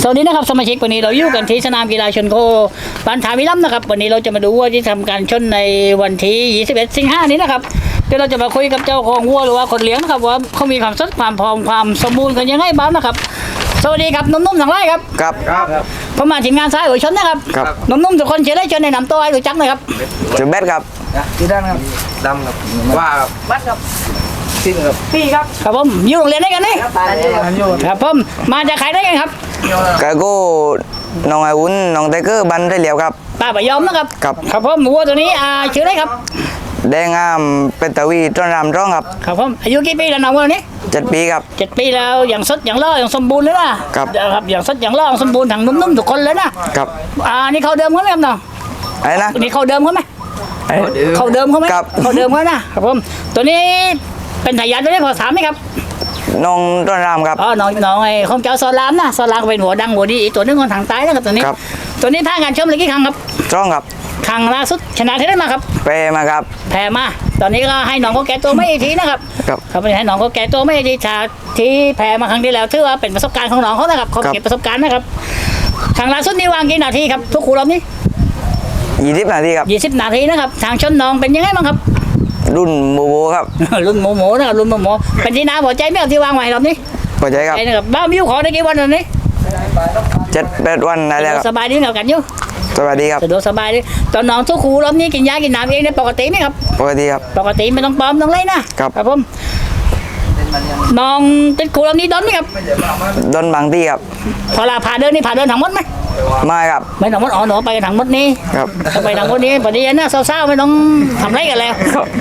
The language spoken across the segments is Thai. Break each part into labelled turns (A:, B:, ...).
A: วัสดีนะครับสมาชิกวันนี้เราอยู่กันที่สนามกีฬาชนโคบ้านถามิลัมนะครับวันนี้เราจะมาดูวัวที่ทำการชนในวันที่21 สิงหาคมนี้นะครับเดี๋ยวเราจะมาคุยกับเจ้าของวัวหรือว่าคนเลี้ยงนะครับว่าเขามีความสดความพร้อมความสมบูรณ์กันยังไงบ้างนะครับสวัสดีครับนุ่มๆทั้งหลายครับ
B: ครับ
A: ผมมาทีมงานซ้ายหัวชนนะครับ
B: ครับ
A: นุ่มๆทุกคนเชื่อได้เชิญในนำตัวให้รู้จักหน่อยครับ
B: จุดเบ็ดครับ
C: ที่ด้านครับดำครับว่าครับบัดครับสิ้นครับ
A: พี่ครับครับผมอยู่โรงเรียนได้กันนี่
C: อันโยน
A: ครับผมมาจากใครได้กันครับ
B: กะโก้น้องไอวุ้นน้องไทเกอร์บันได้เหลียวครับ
A: ป้าปะยอมนะครับ
B: ครับ
A: ครับผมวัวตัวนี้ชื่ออะไรครับ
B: แดงงามเป็นตะวีต้นรำร้องครับ
A: ครับผมอายุกี่ปีแล้วน้องวัวนี้
B: 7 ปีครับ
A: 7 ปีแล้วอย่างสดอย่างล่ออย่างสมบูรณ์เลยนะครับ ครับอย่างสดอย่างล่ออย่างสมบูรณ์ทั้งนุ่มๆทุกคนเลยนะครับ นี่เขาเดิมเขาไหมครับน้อง
B: อะไรนะ
A: นี่เขาเดิมเขาไหมเขาเดิมเขาไหม
B: ครับ
A: เขาเดิมเขานะครับผมตัวนี้เป็นทายาทตัวนี้พอถามไหมครับ
B: น้องต้นรำครับ
A: น้องไอ้ของเจ้าซอลามนะซอลามเป็นหัวดังหัวดีอีกตัวนึงคนทางใต้นะครับตัวนี้
B: ครับ
A: ตัวนี้ท่างานชมเลยกี่ครั้งครับ
B: ร้องครับ
A: ครั้งล่าสุดชนะที่ได้มาครับ
B: เปมาครับ
A: แพ้มาตอนนี้ก็ให้น้องเขาแก้ตัวไม่อีกทีนะครับ
B: ครับ
A: ครับให้น้องเขาแก้ตัวไม่อีกทีชาที่แพ้มาครั้งที่แล้วถือว่าเป็นประสบการณ์ของน้องเขานะครับเขา
B: ครับ
A: เก็บประสบการณ์นะครับครั้งล่าสุดนี่วางกี่นาทีครับทุกคู่รอบนี้
B: 20 นาทีครับ
A: 20 นาทีนะครับทางชนน้องเป็นยังไงบ้างครับ
B: รุ่นโบโบครับ
A: รุ่นโมโมนะครับรุ่นโมโมเป็นที่น่าพอใจไหมครับที่วางไว้รอบนี้
B: พอใจครับ
A: ใจนะครับบ้ามิวขอได้กี่วันตอนนี้
B: 7-8 วันได้แล้วครับ
A: สบายดีกับกันอยู่
B: สวัสดีครับ
A: สะดวกสบายดีตอนน้องทุกคู่รอบนี้กินยากินน้ำเองได้ปกติไหมครับ
B: ปกติครับ
A: ปกติไม่ต้องปลอมต้องเล่นนะครับ ครับผมน้องติดคู่รอบนี้ดอนไหมครับ
B: ดนบางที่ครับ
A: พอลาพาเดินนี่พาเดินทั้งหมดไหม
B: ไม่ครับ
A: ไม่ทั้งหมดอ๋อหนูไปกันทั้งหมดนี่
B: ครับ
A: ถ้าไปทั้งหมดนี้พอดีนะเศร้าๆไม่ต้องทำไรกันแล้ว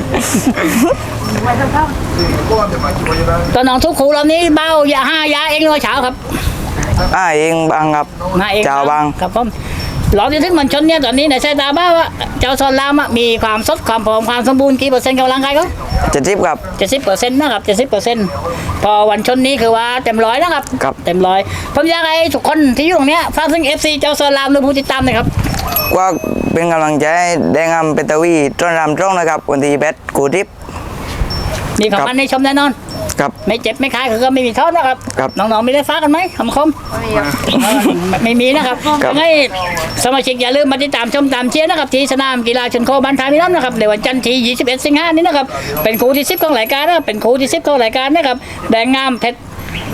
A: ตอนน้องทุกคู่รอบนี้เบ้ายา5 ยาเองเลยเช้าครับ
B: เองบางครับ
A: มาเอง
B: เจ้าบาง
A: ครับผมหลอที่ถึงมันชนเนี่ยตอนนี้ในสายตาบ้าว่าเจ้าซอนรามมีความสดความผอมความสมบูรณ์กี่เปอร์เซ็นต์กับร่างกายเขา
B: 70ครับ
A: 70%นะครับ70%พอวันชนนี้คือว่าเต็มร้อยนะครับ
B: ครับ
A: เต็มร้อยผมอยากให้ทุกคนที่อยู่ตรงเนี้ยฝากถึง FC เจ้าซอนรามหรือผู้ติดตามหน่อยครับ
B: ว่าเป็นกำลังใจให้แดงงามเป็นตะวีต้นรำร้องนะครับวันที่8 กูทิพย์
A: มีของ
B: ครับ
A: มันในชมแน่นอน
B: ครับ
A: ไม่เจ็บไม่คายคือก็ไม่มีโทษนะครับ
B: ครับ
A: น้องๆไม่ได้ฟ้ากันไหมคำคมไม่มีนะครับ
B: ครับ
A: ยังไงสมาชิกอย่าลืมมาติดตามชมตามเชียร์นะครับที่สนามกีฬาชนโคบ้านทามิลัมนะครับในวันจันทร์ที่21 สิงหาคมนี้นะครับเป็นคู่ที่10ของรายการนะครับเป็นคู่ที่10ของรายการนะครับแดงงามเพชร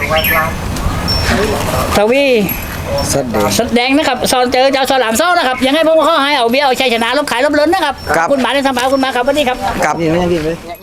A: ทวีสดแดงนะครับซอนเจอเจ้าสลามซ้อนะครับยังไงผมก็ขอให้เอาเบี้ยเอาชัยชนะลบขายลบล้นนะครับ
B: ครับ
A: ขอบคุณหมาในสัมภาษณ์คุณมาครับวันนี้ครับ
B: ครับ
C: นี่ไม่ยังกินเลย